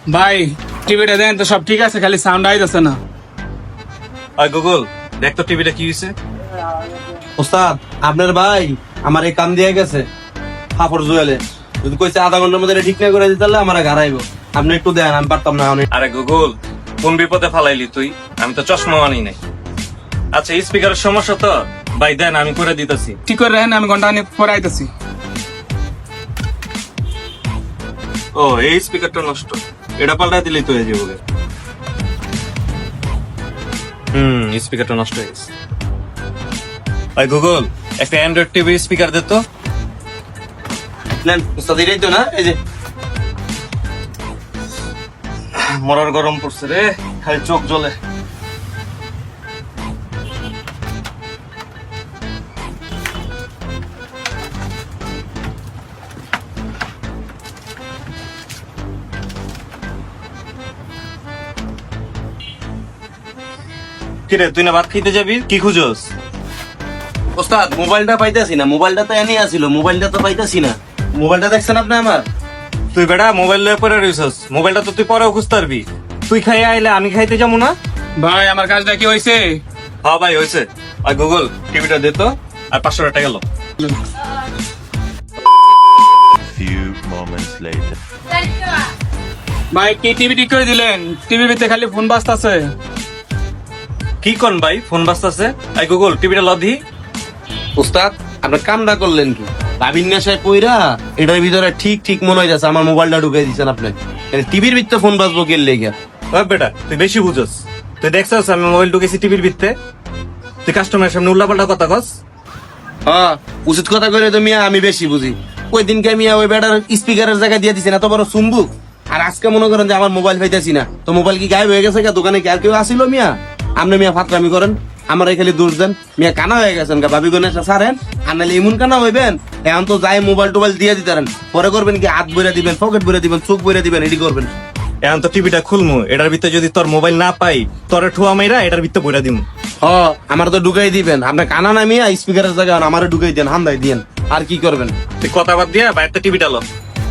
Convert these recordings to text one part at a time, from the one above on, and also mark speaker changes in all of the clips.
Speaker 1: ভাই টিভিটা দেন তো, সব ঠিক আছে, খালি সাউন্ড আইতেছে না।
Speaker 2: ওই গুগল, দেখ তো টিভিটা কি হয়েছে।
Speaker 3: ওস্তাদ আপনার ভাই আমার এই কাম দিয়ে গেছে ফাফর জুয়েলে, যদি কইছে আধা ঘন্টার মধ্যে এটা ঠিক না করে দিতে আমার গাড়াইবো। আপনি একটু দেন, আমি পারতাম না অনেক।
Speaker 2: আরে গুগল, কোন বিপদে ফালাইলি তুই? আমি তো চশমা আনি নাই। আচ্ছা, স্পিকারের সমস্যা তো ভাই, দেন আমি করে দিতেছি।
Speaker 1: ঠিক করে রাখেন, আমি ঘন্টা খানিক পরে আইতেছি।
Speaker 2: ও, এই স্পিকারটা নষ্ট, এটা পাল্টাই দিলেই তো হয়ে যাবে। স্পিকারটা নষ্ট হয়ে গেছে। ভাই গুগল, একটা অ্যান্ড্রয়েড টিভি স্পিকার দে তো।
Speaker 3: নেন ওস্তাদ, এটাই তো না? এই যে
Speaker 2: মরার গরম পড়ছে রে, খালি চোখ জ্বলে। কিরে, তুই না ভাত খেতে যাবি? কি খুঁজোস?
Speaker 3: ওস্তাদ মোবাইলটা পাইতাছি না, মোবাইলটা তো এনে আসিল, মোবাইলটা তো পাইতাছি না। মোবাইলটা দেখছেন আপনি আমার?
Speaker 2: তুই বেটা মোবাইল লয়ে পরে রইছস, মোবাইলটা তো তুই পরেও খুঁজতে পারবি। তুই খাইয়ে আইলে আমি খাইতে যাবো না?
Speaker 1: ভাই আমার কাজটা কি হয়েছে?
Speaker 2: হ্যাঁ ভাই হয়েছে। আর গুগল, টিভিটা দে তো, আর 500 টাকা গেল।
Speaker 4: Few moments later.
Speaker 1: ভাই কি টিভি ঠিক করে দিলেন? টিভির ভিতরে খালি ফোন বাজতাছে।
Speaker 2: কি কোন ভাই, ফোন বাজতাছে? আই গুগল, টিভিটা লদি।
Speaker 3: ওস্তাদ আপনার কামটা করলেন কি? ভাবির নেশায় পইরা এটার ভিতরে ঠিক ঠিক মনে হয় যাচ্ছে আমার মোবাইলটা ঢুকাই দিচ্ছেন আপনি। টিভির ভিতরে ফোন বাজবো কে লেগে?
Speaker 2: ওই বেটা, তুই বেশি বুঝোস। তুই দেখছস আমি মোবাইল ঢুকেছি টিভির ভিতরে? তুই কাস্টমারের সামনে উল্লাপাল্টা কথা কস।
Speaker 3: হ্যাঁ, উচিত কথা কইলে তো মিয়া আমি বেশি বুঝি। ওই দিনকে মিয়া ওই বেটার স্পিকারের জায়গায় দিয়ে দিছেন এত বড় চুম্বুক, আর আজকে মনে করেন যে আমার মোবাইল পাইতেছি না, তো মোবাইল কি গায়েব হয়ে গেছে? দোকানে কি আর কেউ আসিল মিয়া? আপনি মিয়া ফাতরামি করেন, আমার খালি দোষ দেন। মিয়া কানা হয়ে গেছেন গা, ভাবি গনে সারেন, আর নাহলে এমন কানা হইবেন এখন তো যাই মোবাইল টোবাইল দিয়ে দিতেন। পরে করবেন কি, হাত বইরা দিবেন, পকেট বইরা দিবেন, চোখ বইরা দিবেন, এটি করবেন।
Speaker 2: এখন তো টিভিটা খুলমু, এটার ভিতরে যদি তোর মোবাইল না পাই, তোর ঠুয়া মাইরা এটার ভিতরে বইরা দিমু।
Speaker 3: হ, আমার তো ঢুকাই দিবেন। আপনি কানা না মিয়া, স্পিকারের জায়গায় আমারে ঢুকাই দেন, হান্দাই দিয়েন, আর কি করবেন?
Speaker 2: তুই কথা বাদ দিয়া বাইরে টিভিটা লো।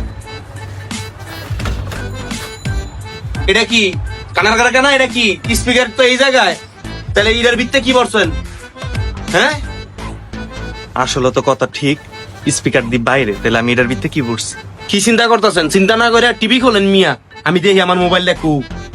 Speaker 3: এটা কি কানার কানা কেনা? এটা কি স্পিকার তো এই জায়গায়? তাহলে এটার ভিত্তে কি করছেন? হ্যাঁ,
Speaker 2: আসলে তো কথা ঠিক, স্পিকার দি বাইরে, তাহলে আমি এটার ভিতরে কি বলছি?
Speaker 3: কি চিন্তা করতেছেন? চিন্তা না করে টিভি খোলেন মিয়া, আমি দেখি আমার মোবাইল দেখু।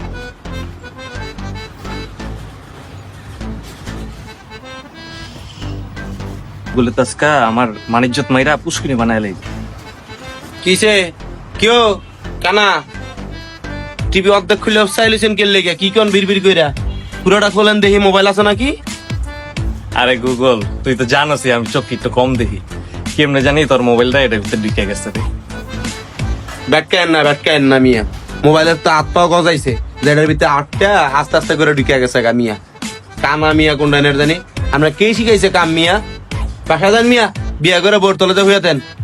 Speaker 2: বলে তাস্কা আমার মানিজ্জত মাইরা পুষ্কিনি বানায় লাই।
Speaker 3: কিসে কেউ কানা টিভি অর্ধেক খুলে চাইলেছেন কে লেগে? কি কোন বিড়বিড় কইরা? পুরোটা খোলেন দেখি মোবাইল আছে নাকি।
Speaker 2: আরে গুগল, তুই তো জানোসই আমি চোখ একটু কম দেখি, কেমনে জানি তোর মোবাইলটা এটার ভিতরে ঢুকে গেছে রে।
Speaker 3: ব্যাটকায়েন না মিয়া, মোবাইলের তো হাত পাও গজাইছে, যেটার ভিতরে আটটা আস্তে আস্তে করে ঢুকে গেছে গা মিয়া। কানা মিয়া কোনটা জানি। আমরা কে শিখাইছে কাম মিয়া? বাসা যান মিয়া, বিয়া করে বোর তলাতে হইয়া দেন।